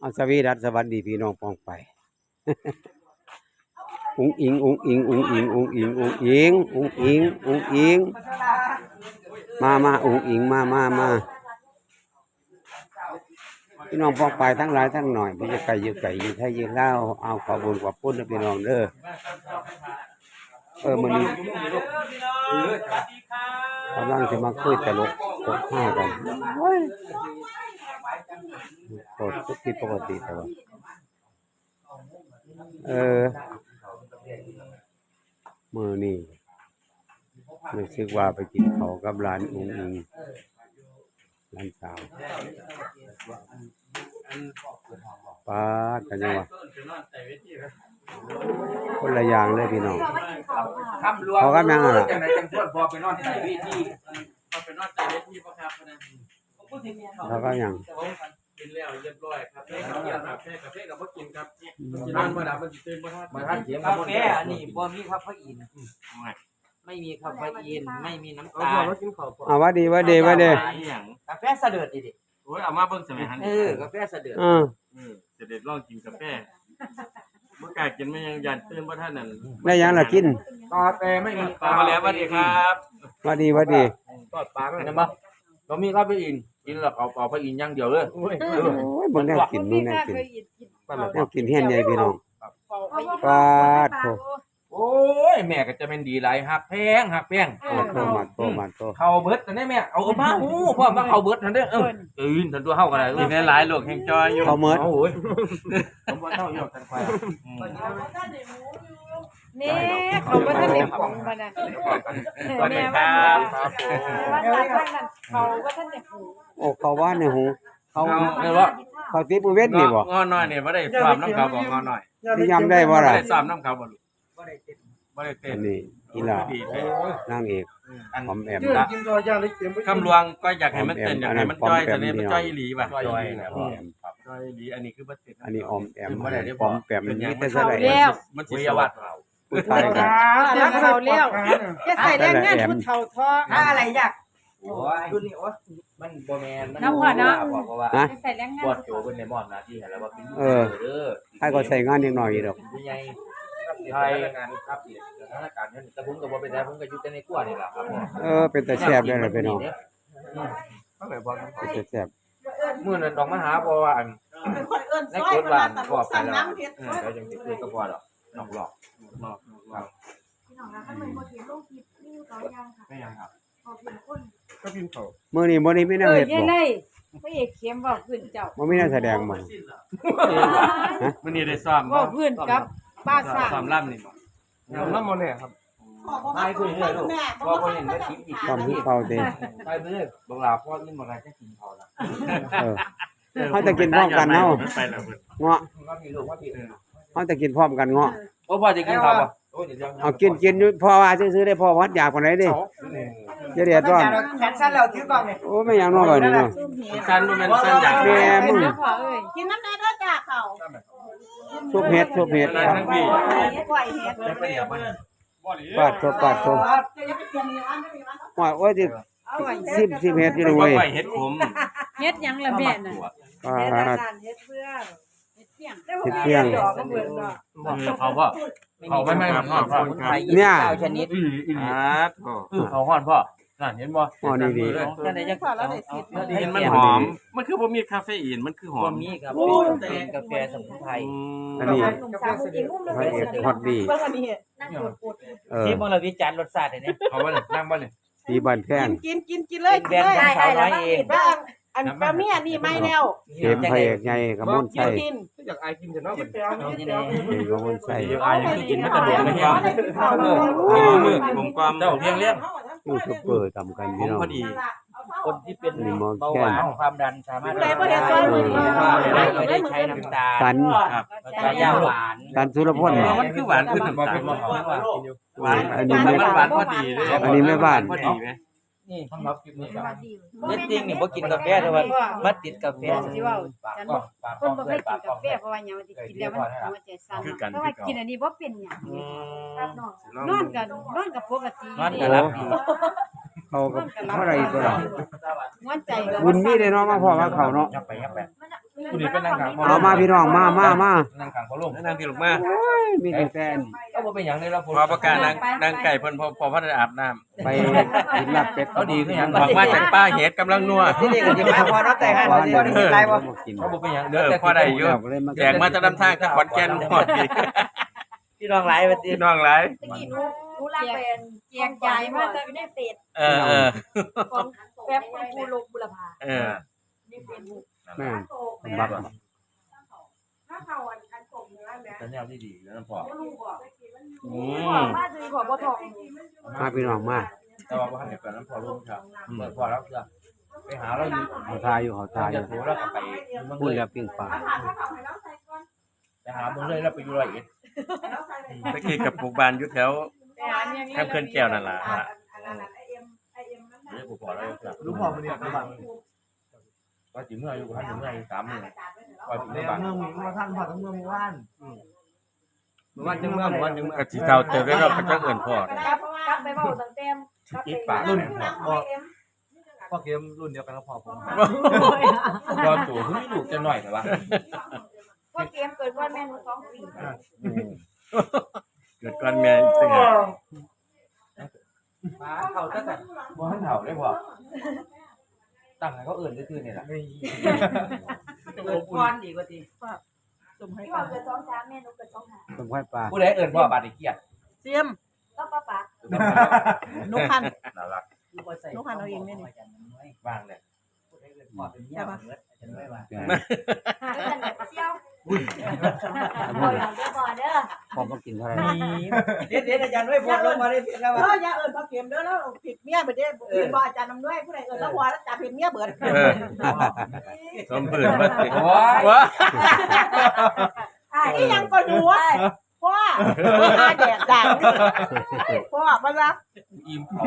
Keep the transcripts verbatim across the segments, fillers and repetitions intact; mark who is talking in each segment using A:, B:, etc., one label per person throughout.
A: เอาสวีดัสสวัสดีพี่น้องปองไป อุ้งอิงอุ้งอิงอุ้งอิงอุ้งอิงอุ้งอิงอุ้งอิงอุ้งอิงมามาอุ้งอิงมามามาพี่น้องปองไปทั้งหลายทั้งหน่อยพี่จะไก่ยืดไก่ยืดไทยยืดเล่าเอาขอบุญขอบคุณนะพี่น้องเด้อเออมันนี้กำลังจะมาคุยตลกตกห้ากันโคตรทุกที่ปกติแต่ว่าเออมือนี่รู้สึกว่าไปกินเขากับร้านอุ้งอิงร้านสาวป้ากันยังวะคนละอย่างเลยพี่น้องเขากับยังอะไรเขาก็ยัง
B: กินแล้วเรียบร้อยครับแค่กับครับแค่กับแค่กับบ่กินครับกินนอนบ่หลับมันสิตื่นบ่ทันมาทันเสียง
C: กาแฟอันนี้บ่มีคาเฟอีนไม่มีคาเฟอีนไม่มีน้ำตาล
A: อ่าว่าดีว่าดีว่าดี
C: กาแฟเสด็จดิ
B: โอ้ยเอามาเบิ่งสมัยหัน
C: เออกาแฟเสด็จ
A: เออ
B: เออเสด็จลองกินกาแฟบ่กล้ากินมันยังยันตื่นบ่ทันนั่น
A: ได้ยังล่ะกิน
C: กาแฟไม่มี
B: ปลามาแล้วสวัสดีครับ
A: ว่าดีว่าดี
C: ทอดปลาเห็นบ่บ่มีคาเฟอีนกินแล้วเอาเอาไปอีนอย่างเดียวเลย
A: โอ้ยมึงแน่กินมึงแน่กินแน่กินเฮี้ยนใหญ่พี่น้องปาดโถ
C: โอ้ยแม่ก็จะเป็นดีหลายหักแพงหักแพง
A: มาโตมาโตมาโต
C: เข้าเบิดกันได้แม่เอามาโอ้พ่อมาเข้าเบิดนั่นเด้อเออตื่นทันตัวเฮาก็ได้
B: กินได้หลายโลกแห่งจอยอยู่
A: เขาเมิด
C: โอ้ยผมว่าเท่าอยู่กันไป
D: นี่เขาก็ท่านเด็กของมันนะ
B: สวัสดีครับ
D: ว่าท่านนั้นเขาก็ท่านเด็กหู
A: โอ้เขาว่าในหูเขา
B: เออว่า
A: เขาติดมือเวทนี่บ่
B: งอน้อยนี่บ่ได้ซ้อมน้ำเขาบ่งอน้อย
A: ที่ยำได้บ่
B: บ่
A: ล่ะ
B: ได้ซ้อมน้ำเขาบ่ลูกบ่ได้เต้นบ่ได้เต้
A: อั
B: น
A: นนี้อีหลา
B: ดีเลย
A: นางเอกหอมแอม
B: ละคำลวงก็อยากให้มันเต้นอยากให้มันจ้อยแต่นี่มันจ้อยอีหลีป่ะ
A: จอยนะหอมแอม
B: จ้อยอีหลีอันนี้คือบ่เต้น
A: อันนี้ออมแอมอันนี้ปอมแปมมันมีแต่
D: เขา
A: ใส่
D: แล้ว
B: มันสิสวัสดิ์
A: ผู้ชายกัน
D: แล้วเขาแล้วจะใส่แรงงานผู้เฒ่าทออะไรอยาก
C: โอ้ยรุ่นนี้โอ้มันบ่แม่นมัน
D: น้ำหัวเนาะ
C: บอกว่า
A: ฮะ
D: จะใส่แรงงาน
C: ปวดโจเพิ่นในมอบหน้าที่ให้แล้วว่าเป็น
A: เออ
C: เด้อ
A: ให้ก็ใส่งานนิดหน่อยดอก
C: ผู้ใหญ่ไทยงานครับสถานการณ์นั้นแต่ผมก็บ่เป็นไรผมก็อยู่แต่ในครัวนี่ล่ะครับ
A: เออเป็นแต่แซ่บได้ล่ะพี่น้อง
C: เขาแบบว่า
A: เป็นแต่แซ่บ
C: มื้อนั้นต้องมาหาเพราะว่าอัน
E: เป็นคนเอิ้น
C: ใน
E: ซอย
C: กฎบ้าน
E: ตะ
C: พอ
E: บ
C: ไป
E: สั่ง
C: แล้ว
E: น้ำเฮ็ด
C: เออแล้วจังสิคุยกับพ่อดอกนอกหลอกนอกนอก
E: พี่น้องนะถ้ามันบ่เห็นลงคลิปนี่เขายังค่ะ
C: ไม่ยังครับ
E: ขอเพียงคน
B: ก็พิมพ์เขา
A: มื้อนี้บ่ได้มีแน
D: เอ
A: ว
D: อ
A: เฮ็ด
D: ยั
A: บ่
D: งไงพระเอกเข้มบอกพื้นเจ้า
A: บ่มีแนวแสดงบ่
B: มื้อนี้ได้ซ้อม
D: บอกพื้นกับป้าสร้าง
B: ซ้อมล่ำนี่บ่ซ้อมล่ำบ่แน่ครับ
E: ขอบ่มาคุยเลยลูกแม่บ่มาเห็นว่าคลิปอีก
A: ต้อมคือเขาติ
C: ไปไปเลยบางลาพ่อนี่บ่ได้จะกินพอละ
A: เออ เขาจะกินพร้อมกันเนาะ
B: ไปแล้วเพิ่น
A: เงาะ
C: ว่าพี่ลูกว่าพี่
A: เขาจะกินพร้อมกันเงาะ
C: โอ้พ่อจะกินข้าวป่ะโอ้เดี๋ยว
A: เอากินกินอยู่พ่อว่าซื้อๆได้พ่อวัดอยากปานใดดิจะเดือดร้อน
E: แขนสั้นแล้วถือกล้องนี่
A: โอ้ไม่อยากนอนแบบนี้เนาะ
B: สั้นบ่แม่นสั้นอยาก
A: แม่มึง
D: แล้วพอเอ้ย
E: กินน้ำแน่เด้อจ้าเขา
A: ทุบเฮ็ดทุบเฮ็ด
B: ทั้งพี่
E: ปล่อยเฮ็ด
C: ไปเดี๋ยวมัน
A: ปาดทุบปาดทุบ
E: จะอย่าไปกินนี่อันนี้อัน
A: ว่าโอ้ยสิ
D: เอาไว้
A: สิบสิบเฮ็ดอยู่
B: บ่
A: เลย
B: ไหวเฮ็ดขม
D: เฮ็ดหยังละแม่น่ะ
A: ปาด
D: เฮ็ดเพื่อเฮ็ดเพียง
A: เฮ็ดเพียง
D: ดอกก็เบิ่งดอก
B: คือเขาบ่เขาไม่ไม่นอนพ่อ
C: ไทยยี่สิบเก้าชนิด
B: อีอี
C: อ่าเขาฮ้อนพ่อนั่นเห็นบ่
A: อ๋อนี่ดี
C: นั่นได้จัง
B: เห็นมันหอม มันคือบ่มีคาเฟอีนมันคือหอ
C: บ่
B: ม
C: มีครับเป็นกาแฟสมุนไพร
A: อันนี้
D: สามกินมุม
A: พระเอกฮอตดี
E: เบิ่งอันนี้
D: นั่งปวดปวด
A: เออ
C: ที่บ่เราวิจารณ์รสชาติเนี่ยเอาบ่เลยนั่งบ่เลย
A: สีบ้านแพง
E: กินกินกินเลย
C: เป็นแบรนด์ของสาวน้อยเอง
E: บ้างอันปลาเมียนี่ไม่แล้ว
A: เข็มพระเอกใหญ่กระมน
E: กิ
A: ใส่
E: นกิน
B: อยากอายกินแต่เนาะ
E: กินไปเอา
C: เอา
E: กิน
C: ที่
E: ไป
C: นี่
E: เอา
A: เข็มกระมนใส่
B: เดี๋ยวอายยังกินมันกระโดดไม่เฮียมือผมความ
C: เจ้าเพียงเลี้ยง
A: ยูทูบเบอร์ทำกัน
B: ผ
A: พี่
B: ม
A: น้อง
B: พอดี
C: คนที่เป็นเบาหวานความดันสามารถได้ได้ใช้น้ำตาล
A: สัน
C: กระยาหวาน
A: สันสุรพล
B: เออมันคือหวานขึ้นน้ำตาลหวาน
A: อันนี้ไม่
B: มันหวานพอดีเลย
A: อันนี้ไม่หวาน
B: พอดีไหม
C: นี่สำหรับคลิปนี้ครับเน็ตติ้งนี่บ่กินกาแฟแต่ว่ามาติดกาแฟ
D: สิว่าคนบ่เคยกินกาแฟเพราะว่าหยังว่าสิกินแล้วมันหัวใจสั่นเพราะว่ากินอันนี้บ่เป็นหยังครับนอนกันนอนกับปกติ
C: นอนก็หลับดี
A: เขากับเท่าไรตัว
D: หัวใจก็
A: บุญมีได้เนาะมาพ่อว่าเขาเนาะ
C: ยับไปยับไป
D: มัน
C: ผู้นี้เป็นนางขัง
A: เอามาพี่น้องมามามา
C: นางขังเขาลง
B: นางที่ลงมา
A: มีแต่แฟน
C: ก็บ่เป็นหยังเลยเรา
B: พอประกาศนางนางไก่เพิ่นพอพอพัฒนาอาบน้ำ
A: ไปกินลาบเป็ด
C: เขาดีคือหยัง
B: ออกมาจากป้าเห็ดกำลังนัว
C: ที่นี่ก็สิมาพอเนาะแต่ให้บ่ได้มีไรบ่
A: กิน
C: เขาบ่เป็นหยัง
B: เออพอได้อยู่
A: เลยมา
B: แจกมาจะนำทางจากขอนแก่นหมดอีก
C: พี่น้องหลายบัดนี้
B: พี่น้องหลาย
E: ตะกี้หนูหนูลากเป็นแจกจ่ายมาแต่อยู่ในเฟซ
B: เออเออ
E: ของแป๊บคุณครูลงบุรพา
B: เออ
E: ในเฟซบุ๊ก
A: แม่บัก
E: ถ้าเขาอันอันส่งเนื้อแม่
C: แต่แนวที่ดีแล้วพอ
E: บ่รู้บ่
B: อื
E: ขอ
B: ม
E: มาซื้อขอบ่ทอง
A: มาพี่น้องมา
C: แต่ว่าบ่ทันได้เปิดน้ำพอลงครับเปิดพอแล้วเสือไปหาเราอยู่
A: เขาทายอยู่เขาทายอ
C: จะ
A: ยู่
C: โทรแล้วก็ไปเมือง
A: พูด
C: เลย
A: แล้วปิ้งปลา
E: ถ้าถ้าเขาให้เราใส่ก่อน
C: ไปหาเมืองเลยแล้วไปอยู่ร้อยเอ็ด
E: ให้เราใส่เลย
B: ตะกี้กับปลูกบ้านอยู่แถว
E: ไปหาเมียเมีย
B: แคมป์เขื่อนแก้วนั่นล่ะ
E: อันนั้นไอเอ็มไอเอ็มมัน
C: เดี๋ยวกูพอแล้วเสือ
F: รู้พอมันเนี่ยรู้พอ
C: ว่าสิเมื่ออยู่พันถึงเมื่ออยู่สามมื้อว่าสิ
F: เมื
C: เมื่
F: อ
C: อง บ้าน
F: เมืองมาท่านพอทั้งเมืองว่าน
B: เมื่อวันจังเมื่อวันจังเมื่อกะสิเท่าเติบแล้วเราก็จังเอิ้นพ่อ
E: กลับกลับไปเว้าตั้งแต่กลับไป
C: อีกปาก
E: รุ่
C: รุ่
E: น
C: น
E: ไอเอ็ม
F: พ่อเกมรุ่นเดียวกันก็พอผม
C: ตอนตัวคือมีลูกจะหน่อยแต่ว่า
E: พวกเกมเกิดก่อนแม่หนูสองปี
B: เกิดก่อนแม่อีกสิฮะ
C: ป้าเขาตั้งแต่บ่ทันเฒ่าได้พอตั้งให้เขาเอิ้นซื่อๆนี่แหละ
F: เกิดก้อนดีกว่าที
E: พี่ว่าเกิดสองสามแม่หนูเกิดสองห้า
A: ต้มไข่ปลา
C: ผู้ใดเอิ้นพ่อบาดนี้เกียรติ
E: เสียมแล้วป้าป๋า
F: นุคัน
C: น่ารัก
F: นุคันเอาเองเนี่ยนี่
C: ว่างเลย
F: ใช่ปะ
E: หาเงินเสี่ยวบ่อยเด้อบ่เด้อ
A: พอมากินเท่าไหร่
F: เด็ดเด็ดอาจารย์ด้วยพอลงมาได้เพียงแล้ว
E: เอออย่าเอิ้นพ่อเกมเด้อแล้วผิดเมียเบิดเด้อผิดบ่อาจารย์นำด้วยผู้ใดเอิ้นแล้วหัวแล้วจับผิดเมียเบิด
B: เออสมพื้นมาสิ
C: โอ้ย
B: ว้า
E: อ่านี่ยังก็อยู่อ่ะพ่ออาแดดดังพ่อมาละ
C: อิ่มเขา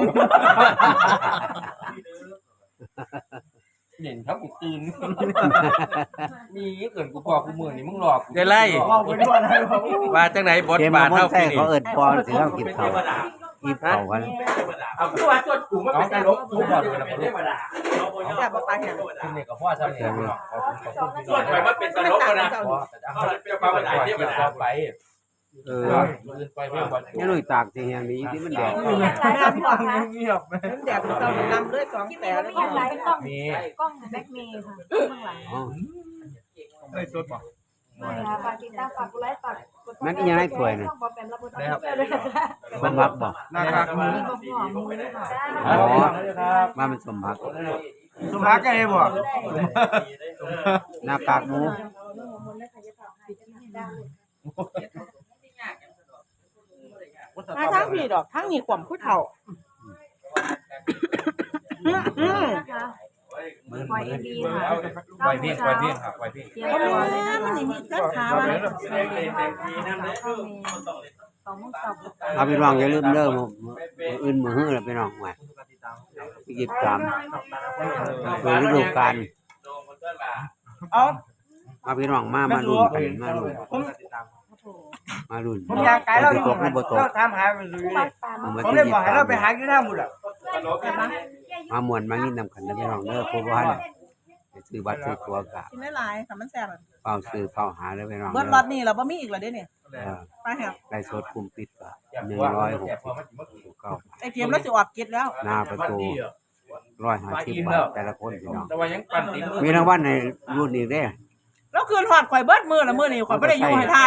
C: เด่นครับกูตื่นมีเกินกูพอกูมือนี่มึงหลอก
B: ได้ไล่
F: ว่าไปด้วยอะไรวะ
B: ว่าจังไหนบท
A: เกม
B: บา
A: มา
B: ท
A: บ่
B: เท่า
A: ใช่
B: ปีนี้
A: เขาเอิ้นปอนสิเรากินข้าวกินข้าวกัน
C: เอากูว่าจดกูไม่เป็นการลบกูบอกเลยนะผมรู้
E: อย่าบ่ปากแห้ง
C: คุณเนี่ยกับพ่อทำเนี่ยขอบคุณขอบคุณพี่
B: ส่วนไปว่าเป็นตลกนะ
C: พ่อแต่เอาไปเอาไปเที่ยวต่อไป
A: เออ
C: มือไปเพื่อนวัน
A: นี่ลุยตากสิแห่งนี้ที่มันแดด
E: หลายพ่อค่ะ
F: เงียบไหม
E: มันแดดมันต้องนำด้วยสองแต่แล้วก็หลายกล้อง
C: มี
E: กล้องแบ็คเมย์ค่ะข้างหลัง
A: อ๋อ
F: เอ้ยสดป่ะ
E: มาฝากติดตามฝากกดไลค์ฝากกด
A: มันอีหยังไงถ้วยน่ะ
E: บ่เป็นระบบเที่ยวด้วยนะคะ
A: สมพักบ่
F: หน้ากากมือ
E: มีบ่หัวมือค่ะ
A: อ๋อ
C: ครับ
A: มาเป็นสมพัก
F: สมภารกันเองบ่
A: หน้ากากหมู
E: มาทั้งพี่ดอกทั้งนี่ความผู้เฒ่า
C: มือมือไวเพียงไวเพียงครับไวเพียง
E: เตรียมตัวเลยนะมันนี่จักขาว่าสองโมงสอง
A: เอาพี่น้องอย่าลืมเด้อมื้อมื้ออื่นมื้อฮื้อแล้วพี่น้องว่าที่ยี่สิบสามคือฤดูกาล
F: เอา
A: มาพี่น้องมามาลุ้นกันมาลุ้น
F: ผม
A: มาลุ้น
F: ผมอยากไกลเราอยู่
A: ตกหรือบ่ตก
F: เราถามหาไปเลย
A: เอามา
F: ผม
A: ที่
F: เลย
A: ยี่
F: บอก
A: สิบ
F: ให้
A: สา
F: เรา
A: ม
F: ไปหาอยู่หน้าหมดอ่ะ
A: มาม่วนมายินนำกันเด้อพี่น้องเด้อผู้บ่ทันไปซื้อบัตรซื้อตั๋วก็
E: กินได้หลายค่ะมันแซ่บ
A: เฝ้าซื้อเฝ้าหาเด้อพี่น้อง
E: เบิ
A: เด้
E: ดร
A: อ
E: ถนี่เราบ่มีอีกแล้วเด้เนี่ย
A: เออ
E: ไปแฮะ
A: ไล่สดคุมปิดก็
C: อยาก
A: หนึ่ง
C: ว่า
A: ร้อยหก
C: แต่พ
A: สิ
C: อบ มันถึงเมื่อกี้
A: เก้า
E: ไอ้เทียมแล้วสิออกกิจแล้ว
A: หน้าประตูร้อยห้าสิบบาทแต่ละคนพี่น้อง
C: แต่ว่ายังปั่นติด
A: มีรางวัลในรุ่นนี้เด้อ
E: แล้วคืนหอดข่อยเบิดมือละมือนี่ข่อยบ่ได้อยู่ให้ทาย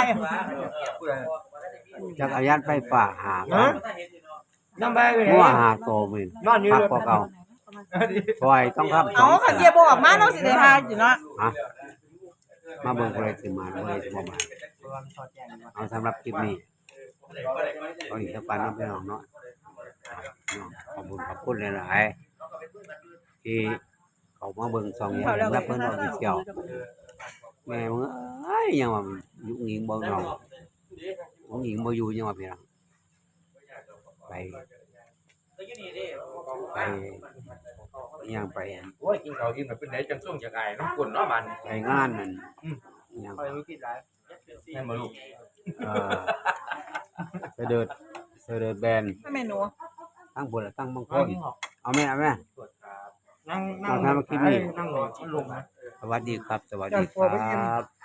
A: จักรยานไฟฟ้าหาพัน
F: น้ำใบไปไหน
A: หัวหาโตมื้อน
F: อนอยู่
A: พัก
F: เลย
A: กว่าเก่าซอยต้องทำ
E: เอาคันเดียบ่ออกมาเนาะสิได้ทายอยู่เนาะ
A: ฮะมาเบิ่งผู้ใดสิมาผู้ใดสิบ่มาเอาสำหรับคลิปนี้เอาอีกสักปันเนาะพี่น้องเนาะขอบคุณขอบคุณหลายๆที่เขามาเบิ่งซองอย่างรับเพิ่นเอาไปเที่ยวแม่มึงเอ้ยยังว่ายุ่งยิงบ่เนาะยุ่งยิงบ่อยู่ยังว่าพี่น้องไปไปยังไป
C: โอ้ยกินข้าวอิ่มแบบเป็นไหนจังส่งจากไอ้น้ำกุ่นเนาะมัน
A: ไปงานนั่นยัง
F: คอยรู้คิดไร
C: แม่มาลูก
A: เอ่อเสด็จเสด็จแบน
E: ถ้าแม่หนู
A: ตั้งบนตั้งบางคนเอาแม่เอาแม่
F: นั่งนั่ง
A: เอาทำมาคิดนี่
F: นั่งลงนะ
A: สวัสดีครับ สวัสดีครับ